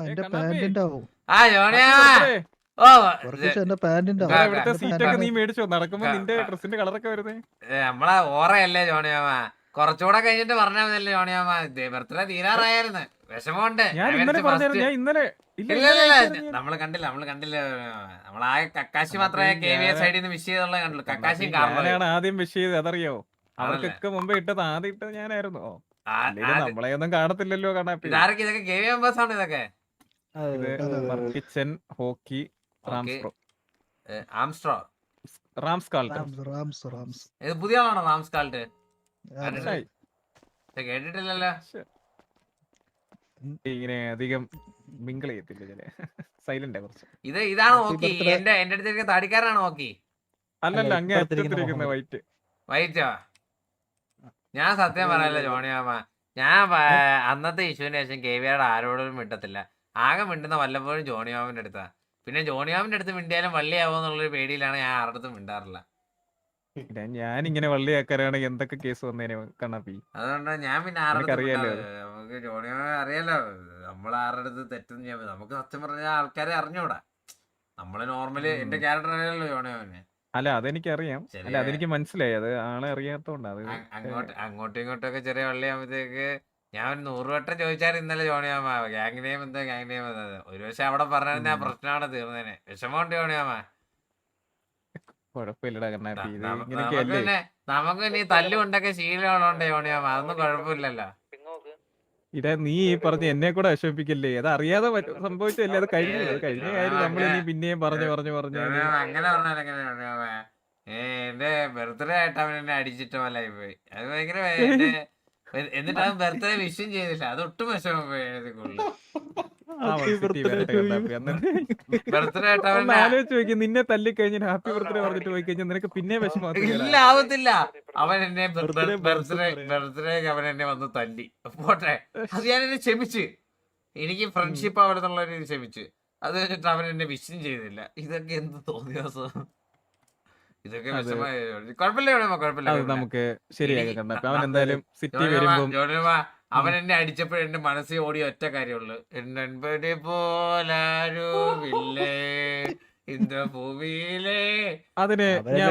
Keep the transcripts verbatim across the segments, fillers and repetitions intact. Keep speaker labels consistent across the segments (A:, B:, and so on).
A: എന്റെ പാന്റിന്റെ ആവും.
B: ആ ജോണിയാ ഓ
A: എന്റെ പാന്റിന്റെ
C: സീറ്റൊക്കെ നീ മേടിച്ചോ നടക്കുമ്പോ നിന്റെ ഡ്രസ്സിന്റെ കളറൊക്കെ വരുന്നേ
B: നമ്മളെ ഓറയല്ലേ ജോണിയാമ കുറച്ചുകൂടെ കഴിഞ്ഞിട്ട് പറഞ്ഞാൽ മതിയല്ലേ ജോണിയാമ ബർത്ത്ഡേ തീരാറായിരുന്നു വിഷമമുണ്ട് നമ്മള് കണ്ടില്ല നമ്മള് കണ്ടില്ല നമ്മളാകെ കക്കാശി മാത്രമേ കെ വി എസ് സൈഡിൽ നിന്ന് വിഷ് ചെയ്തുള്ള കണ്ടുള്ളൂ കക്കാശി
C: ഞാനാണ് ആദ്യം വിഷ് ചെയ്ത് അതറിയോ അവർക്കൊക്കെ മുമ്പേ ഇട്ടത് ആദ്യം ഇട്ടത് ഞാനായിരുന്നു നമ്മളെ ഒന്നും കാണത്തില്ലല്ലോ കണ്ണാപ്പി
B: ഇതാരൊക്കെ ഇതൊക്കെ കെ വി മെമ്പേഴ്സ് ആണ് ഇതൊക്കെ
C: കിച്ചൻ ഹോക്കി
B: ആംസ്ട്രോ
C: റാംസ് കാൾട്ട്
B: ഇത് പുതിയ ആളാണോ റാംസ് കാൾട്ട് കേട്ടിട്ടില്ലല്ലോ
C: ഇങ്ങനെ അധികം മിങ്കിൾ ചെയ്യത്തില്ല ചില സൈലന്റ് കുറച്ച്
B: ഇത് ഇതാണ് ഓക്കി എന്റെ എന്റെ അടുത്തേക്ക് താടിക്കാരനാണ് ഓക്കി
C: അല്ലല്ല അങ്ങേ അറ്റത്തിരിക്കുന്ന വൈറ്റ്
B: വൈറ്റോ ഞാൻ സത്യം പറയല്ല ജോണിയാമ്മ ഞാൻ അന്നത്തെ ഇഷ്യൂവിന് ശേഷം കെ വിയുടെ ആരോടും മിണ്ടത്തില്ല ആകെ മിണ്ടുന്ന വല്ലപ്പോഴും ജോണിയാമിന്റെ അടുത്താ പിന്നെ ജോണിയാമിന്റെ അടുത്ത് മിണ്ടിയാലും വള്ളിയാവോ എന്നുള്ളൊരു പേടിയിലാണ് ഞാൻ ആരുടെ അടുത്തും മിണ്ടാറില്ല
C: ഞാനിങ്ങനെ വള്ളിയാക്കാരാണെങ്കിൽ എന്തൊക്കെ കേസ് വന്നേനെ കണ്ണാപ്പി
B: അതുകൊണ്ട് ഞാൻ പിന്നെ ആരുടെ നമുക്ക് ജോണിയാമ അറിയാലോ നമ്മൾ ആരുടെ അടുത്ത് തെറ്റെന്ന് ചെയ്യാൻ നമുക്ക് സത്യം പറഞ്ഞ ആൾക്കാരെ അറിഞ്ഞൂടാ നമ്മള് നോർമലി എന്റെ ക്യാരക്ടർ അറിയാലോ ജോണിയാമനെ
C: അല്ല അതെനിക്കറിയാം അല്ല അതെനിക്ക് മനസ്സിലായി അത് ആളെ അറിയാത്തോണ്ട് അത്
B: അങ്ങോട്ട് അങ്ങോട്ടും ഇങ്ങോട്ടും ഒക്കെ ചെറിയ വള്ളിയാകുമ്പോഴത്തേക്ക് ഞാൻ ഒരു നൂറ് വട്ടം ചോദിച്ചാൽ ഇന്നലെ ജോണിയാമ ഗ്യാങ് നെയിം എന്താ ഗ്യാങ് നെയിം എന്താ ഒരു പക്ഷെ അവിടെ പറഞ്ഞാൽ ആ പ്രശ്നമാണ് തീർന്നേനെ വിഷമമുണ്ട് ജോണിയാമ
C: കുഴപ്പമില്ലടാ കണ്ണാപ്പി
B: പിന്നെ നമുക്ക് ഇനി തല്ലുകൊണ്ടൊക്കെ ശീലമുള്ളതുകൊണ്ട് ജോണിയാമ അതൊന്നും കുഴപ്പമില്ലല്ലോ
C: ഇതാ നീ ഈ പറഞ്ഞ് എന്നെ കൂടെ വിഷമിപ്പിക്കല്ലേ അത് അറിയാതെ സംഭവിച്ചല്ലേ അത് കഴിഞ്ഞു അത് കഴിഞ്ഞ കാര്യം നമ്മൾ ഇനി പിന്നെയും പറഞ്ഞു പറഞ്ഞു പറഞ്ഞു
B: അങ്ങനെ പറഞ്ഞാൽ എങ്ങനെയാണ് ഏ എന്റെ ബർത്ത്ഡേ ആയിട്ട് അവൻ എന്നെ അടിച്ചിട്ട് പോലായി പോയി അത് ഭയങ്കര എന്നിട്ട് അവൻ ബർത്ത്ഡേ വിഷും ചെയ്തില്ല അത് ഒട്ടും വിഷമം പോയി ബർത്ത്ഡേ ആയിട്ട് അവൻ
C: ആലോചിച്ച് നോക്കി നിന്നെ തല്ലി കഴിഞ്ഞാൽ ഹാപ്പി ബർത്ത്ഡേ പറഞ്ഞിട്ട് പോയി കഴിഞ്ഞാൽ നിനക്ക് പിന്നെ വിഷമം
B: ഇല്ല ആവത്തില്ല അവൻ എന്നെ ബർത്ത്ഡേ ബർത്ത്ഡേ അവൻ എന്നെ വന്ന് തല്ലി പോട്ടെ അത് ഞാൻ എന്നെ ക്ഷമിച്ച് എനിക്ക് ഫ്രണ്ട്ഷിപ്പ് അവിടെ നിന്നുള്ള രീതി ക്ഷമിച്ച് അത് കഴിഞ്ഞിട്ട് അവൻ എന്നെ വിഷും ചെയ്തില്ല ഇതൊക്കെ എന്ത് തോന്നിയ ഇതൊക്കെ വിഷമായ കുഴപ്പമില്ല കുഴപ്പമില്ല
C: നമുക്ക് ശരിയാക്കാം അവൻ എന്തായാലും സിറ്റി വരുമ്പോ
B: അവൻ എന്നെ അടിച്ചപ്പോൾ എന്റെ മനസ്സിൽ ഓടിയ ഒറ്റ കാര്യമുള്ളു എന്നെ പോലാരുമില്ലേ ഇന്ന ഭൂമിയിലെ
C: അതിന് ഞാൻ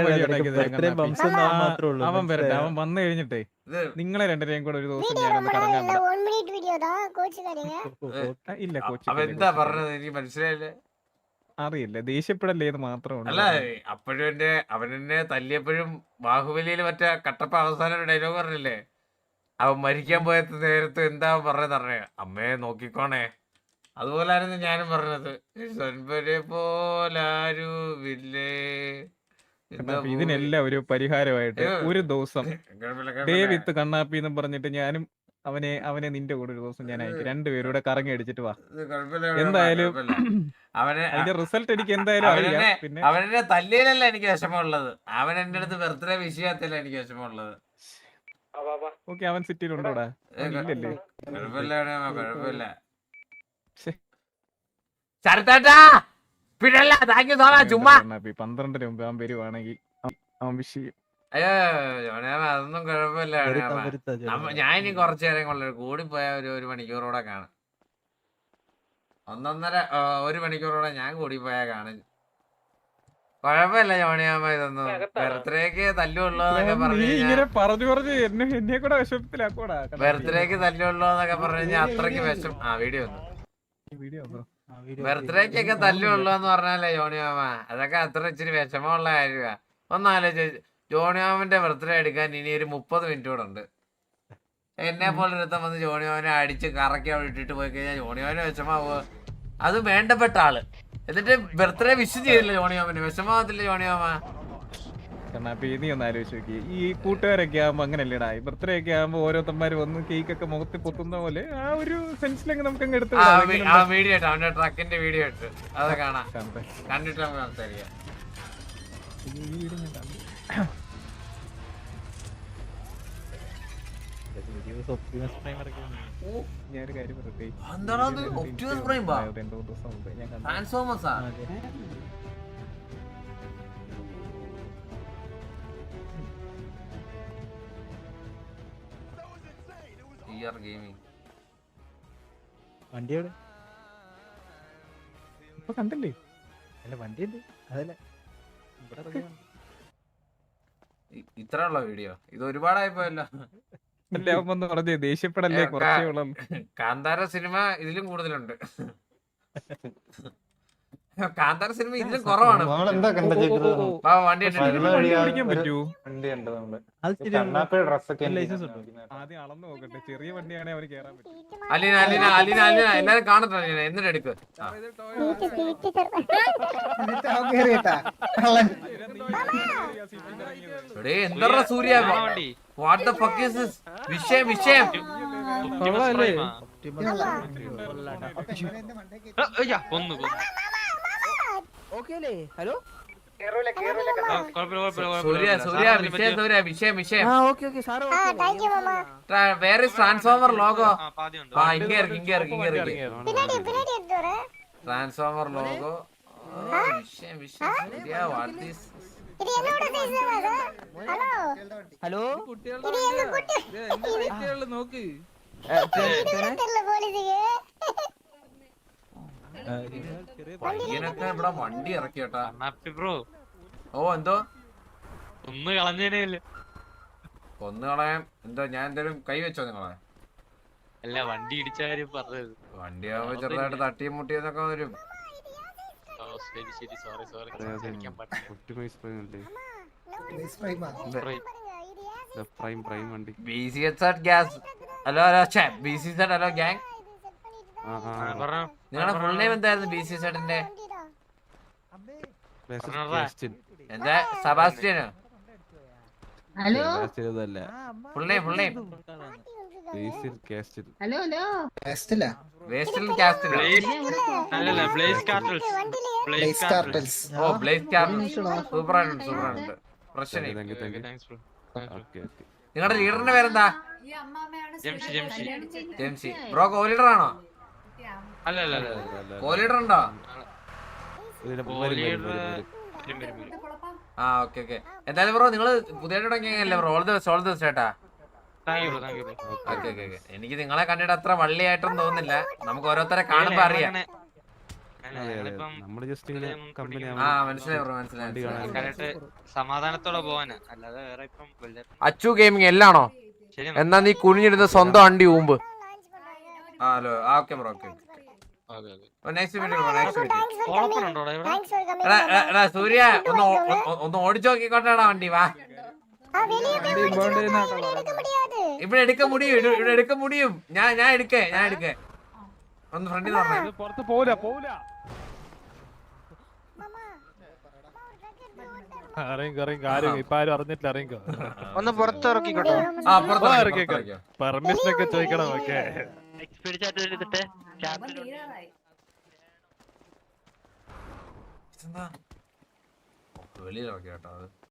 C: അവൻ വരട്ടെ അവൻ വന്നു കഴിഞ്ഞിട്ടേ നിങ്ങളെ രണ്ടുപേരെയും കൂടെ ഒരു ദിവസം ഞാനൊന്ന് കറങ്ങാൻ ഇല്ല കോച്ച്
B: അവൻ എന്താ പറഞ്ഞത് എനിക്ക് മനസ്സിലായില്ലേ
C: അറിയില്ല ദേഷ്യപ്പെടല്ലേന്ന് മാത്രമേ
B: അല്ല അപ്പോഴും എന്റെ അവനെന്നെ തല്ലിയപ്പോഴും ബാഹുബലിയിൽ മറ്റേ കട്ടപ്പ അവസാനം ഒരു ഡയലോഗ് പറഞ്ഞില്ലേ അവൻ മരിക്കാൻ പോയ നേരത്ത് എന്താ പറഞ്ഞത് അറിയാം അമ്മയെ നോക്കിക്കോണേ അതുപോലായിരുന്നു ഞാനും പറഞ്ഞത് പോലാരുമില്ലേ
C: ഇതിനെല്ലാം ഒരു പരിഹാരമായിട്ട് ഒരു ദിവസം ഡേ വിത്ത് കണ്ണാപ്പി എന്ന് പറഞ്ഞിട്ട് ഞാനും അവനെ അവനെ നിന്റെ കൂടെ ഒരു ദിവസം ഞാൻ അയക്കും രണ്ടുപേരൂടെ കറങ്ങി അടിച്ചിട്ട് വാ എന്തായാലും
B: അവനെ
C: അതിന്റെ റിസൾട്ട് എനിക്ക് എന്തായാലും അറിയാം പിന്നെ
B: അവനെ തല്ലിയിലല്ല എനിക്ക് വിഷമമുള്ളത് അവൻ എന്റെ അടുത്ത് ബർത്ത്ഡേ വിഷ് ചെയ്യാത്തല്ല എനിക്ക് വിഷമമുള്ളത്
C: ഓക്കെ അവൻ സിറ്റിയിലുണ്ടോടാ ഇല്ലല്ലേ
B: കുഴപ്പമില്ല കുഴപ്പമില്ല
C: പന്ത്രണ്ടിന് മുമ്പ് അവൻ വരുവാണെങ്കിൽ അവൻ വിഷ് ചെയ്യും
B: അയ്യോ അതൊന്നും കുഴപ്പമില്ല ഞാൻ ഇനി കുറച്ചു നേരം കൊള്ളു കൂടി പോയ ഒരു ഒരു മണിക്കൂറോടെ കാണും ഒന്നൊന്നര ഒരു മണിക്കൂറോടെ ഞാൻ കൂടി പോയാ കാണും കുഴപ്പമില്ല ജോണിയാമ്മ ഇതൊന്നും ബർത്ത്ഡേക്ക് തല്ലുള്ളൂന്നൊക്കെ
C: പറഞ്ഞു പറഞ്ഞു എന്നെ കൂടെ വിഷമത്തിലാക്കൂടാ
B: ബർത്ത്ഡേക്ക് തല്ലുള്ളൂന്നൊക്കെ പറഞ്ഞു കഴിഞ്ഞാൽ അത്രയ്ക്ക് വിഷം ആ വീഡിയോ വന്നു ബർത്ത്ഡേക്കൊക്കെ തല്ലുള്ളൂന്ന് പറഞ്ഞാലേ ജോണിയാമ്മ അതൊക്കെ അത്ര ഇച്ചിരി വിഷമമുള്ള കാര്യമാ ഒന്നാലോചിച്ച് ജോണിയാമന്റെ ബർത്ത്ഡേ എടുക്കാൻ ഇനി ഒരു മുപ്പത് മിനിറ്റ് കൂടെ ഉണ്ട് എന്നെ പോലെ ഒരുത്തം വന്ന് ജോണിയാമനെ അടിച്ച് കറക്കി അവിടെ ഇട്ടിട്ട് പോയി കഴിഞ്ഞാൽ ജോണിയാമന് വിഷമാവോ അത് വേണ്ടപ്പെട്ട ആള് എന്നിട്ട് ബർത്ത്ഡേ വിഷ് ചെയ്തില്ല ജോണിയാമന് വിഷമാവത്തില്ല ജോണിയാമ
C: കണ്ണാപ്പി നീ ഒന്ന് ആലോചിച്ച് നോക്കി ഈ കൂട്ടുകാരൊക്കെ ആകുമ്പോ അങ്ങനെയല്ലേടാ ബർത്ത്ഡേ ഒക്കെ ആകുമ്പോ ഓരോരുത്തന്മാര് വന്ന് കേക്ക് ഒക്കെ മുഖത്ത് പൊത്തുന്ന പോലെ ആ ഒരു സെൻസിലൊക്കെ നമുക്ക് അങ്ങ് എടുത്ത്
B: വീഡിയോ ഇട്ട് അവന്റെ ട്രക്കിന്റെ വീഡിയോ ഇട്ട് അത് കാണാം കണ്ടിട്ട് നമുക്ക് സംസാരിക്കാം
C: ഞാനൊരു കാര്യം പറയട്ടെ
A: വണ്ടിയോട്
C: ഇപ്പൊ കണ്ടില്ലേ?
A: അല്ല വണ്ടി ഉണ്ട് അതല്ല ഇവിടെ ഇറങ്ങിയാണ്.
B: ഇ- ഇത്ര ഉള്ള വീഡിയോ ഇത് ഒരുപാടായി പോയല്ലോ.
C: അല്ലേ അവൻ വന്ന് പറഞ്ഞേ ദേഷ്യപ്പെടല്ലേ,
B: ഏ,
C: കുറച്ചേ
B: കാ-
C: ഉള്ളൂ.
B: കാന്താര സിനിമ ഇതിലും കൂടുതലുണ്ട്. കാന്താര സിനിമ ഇതിലും കുറവാണ്.
D: നമ്മളെന്താ കണ്ട ചേച്ചത്?
B: വാ, വണ്ടി
C: പക്ഷേ
B: ഇട്ടിട്ട്
C: ഇതിന്
D: വരുന്ന
C: വണ്ടി
D: വഴിയാ
C: ഓടിക്കാൻ
D: ഒരു
C: പറ്റൂ?
D: വണ്ടി ഉണ്ട് നമ്മള്.
A: അത് ശരിയാ.
D: കണ്ണാപ്പിയുടെ ഡ്രസ്സൊക്കെ
A: ലൈസൻസ് ഉണ്ടോ?
C: ആദ്യം അളന്നു നോക്കട്ടെ, ചെറിയ വണ്ടിയാണെങ്കിൽ അവന് കേറാൻ പറ്റും.
B: അലീന അലീന അലീന അലീന എല്ലാരും കാണട്ടെ അലീന, എന്നിട്ട് എടുക്ക്. ആ. എടേ, എന്തറ Surya, what the fuck is this? വിഷയം വിഷയം
C: കൊള്ളാല്ലേ?
E: ഹലോ
B: സൂര്യ സൂര്യ വിഷയം സൂര്യ വിഷയം വിഷയം
E: ആ ഓക്കെ ഓക്കെ സാറ്
B: വേറെ ട്രാൻസ്ഫോമർ ലോഗോ. ആ ഇങ്ങ ഇറക്കി ഇങ്ങ ഇറക്കി ഇങ്ങ ഇറക്കി ട്രാൻസ്ഫോമർ ലോഗോ. വിഷയം വിഷയം സൂര്യ വാട്ട് ഈസ്
E: ഹലോ
C: നോക്ക്.
B: പയ്യനൊക്കെ ഇവിടെ വണ്ടി ഇറക്കി കേട്ടാ.
F: ബ്രോ
B: ഓ എന്തോ
F: ഒന്ന് കളഞ്ഞേനല്ലേ?
B: കൊന്നു കളയാൻ എന്തോ ഞാൻ എന്തേലും കൈ വെച്ചോ നിങ്ങളെ?
F: അല്ല വണ്ടി ഇടിച്ച കാര്യം പറഞ്ഞത്.
B: വണ്ടി ആവുമ്പോ ചെറുതായിട്ട് തട്ടിയും മുട്ടിയെന്നൊക്കെ വരും.
F: ഓ ശരി ശരി സോറി സോറി സംസാരിക്കാൻ പറ്റില്ല.
B: B C H R gas. Hello hello ഛേ B C Z hello gang.
F: പറഞ്ഞോ
B: നിങ്ങളുടെ ഫുൾ നെയിം എന്തായിരുന്നു ബി സി സെഡിന്റെ? എന്താ സെബാസ്റ്റ്യനോ?
G: Hello
B: full name full name
G: hello hello
B: വേസ്റ്റൽ കാസ്റ്റിലോ?
F: അല്ലല്ല ബ്ലേസ് കാർട്ടൽസ് ബ്ലേസ് കാർട്ടൽസ്
B: ഓ ബ്ലേസ് കാർട്ടൽ സൂപ്പർ ആയിട്ടുണ്ട് സൂപ്പർ ആയിട്ടുണ്ട്. പ്രശ്നം
F: താങ്ക്സ് ബ്രോ.
B: നിങ്ങളുടെ ലീഡറിന്റെ പേരെന്താ?
F: Jamshi Jamshi
B: Jemsi bro. Co leader ആണോ?
F: അല്ല അല്ല അല്ല
B: കോ ലീഡർ ഉണ്ടോ? ആ ഓക്കെ ഓക്കെ. എന്തായാലും ബ്രോ നിങ്ങള് പുതിയതായിട്ട് തുടങ്ങിയല്ലേ bro? All the best all the best ചേട്ടാ.
F: Thank you bro thank you bro.
B: Okay okay okay. എനിക്ക് നിങ്ങളെ കണ്ടിട്ട് അത്ര വള്ളിയായിട്ടൊന്നും തോന്നുന്നില്ല. നമുക്ക് ഓരോരുത്തരെ കാണുമ്പോ അറിയാം.
F: നമ്മള് ജസ്റ്റ് കമ്പനി
B: ആ മനസ്സിലായി ബ്രോ മനസ്സിലായി.
F: സമാധാനത്തോടെ പോവാനാ, അല്ലാതെ വേറെ ഇപ്പം വല്ല-
B: അച്ചു ഗെയിമിംഗ് എല്ലാണോ?
F: ശരി
B: എന്നാ നീ കുനിഞ്ഞിരുന്ന സ്വന്തം അണ്ടി ഊമ്പ്. ആ ഹലോ ആ okay bro okay. Next video bro next video.
F: ഓപ്പണുണ്ടോടാ ഇവിടെ?
B: എടാ എടാ, എടാ സൂര്യ ഒന്ന് ഓ- ഒ- ഒന്ന് ഓടിച്ചു നോക്കിക്കോട്ടെടാ വണ്ടി. വാ ഇവിടെ എടുക്ക മുടിയും ഇവിടെ ഇവിടെ എടുക്ക മുടിയും. ഞാൻ ഞാൻ എടുക്കേ ഞാൻ എടുക്കേ ഒന്ന് ഫ്രണ്ടിൽ പറഞ്ഞേ.
C: പുറത്ത് പോവില്ല പോവില്ല.
H: ഇറങ്ങി ഇറങ്ങി ആരും ഇപ്പൊ ആരും അറിഞ്ഞിട്ടില്ല. ഇറങ്ങിക്കോ,
E: ഒന്ന് പുറത്തിറക്കിക്കോട്ടോ.
B: ആ പുറത്ത്
H: ആ,
B: ഇറക്കി,
H: ഇറക്കി,
B: പുറത്ത് ഇറക്കി.
H: പെർമിഷൻ ഒക്കെ ചോദിക്കണം. ഓക്കെ
B: ഇതെന്താ? ഓ, വെളിയിൽ ഇറക്കി കേട്ടോ അത്.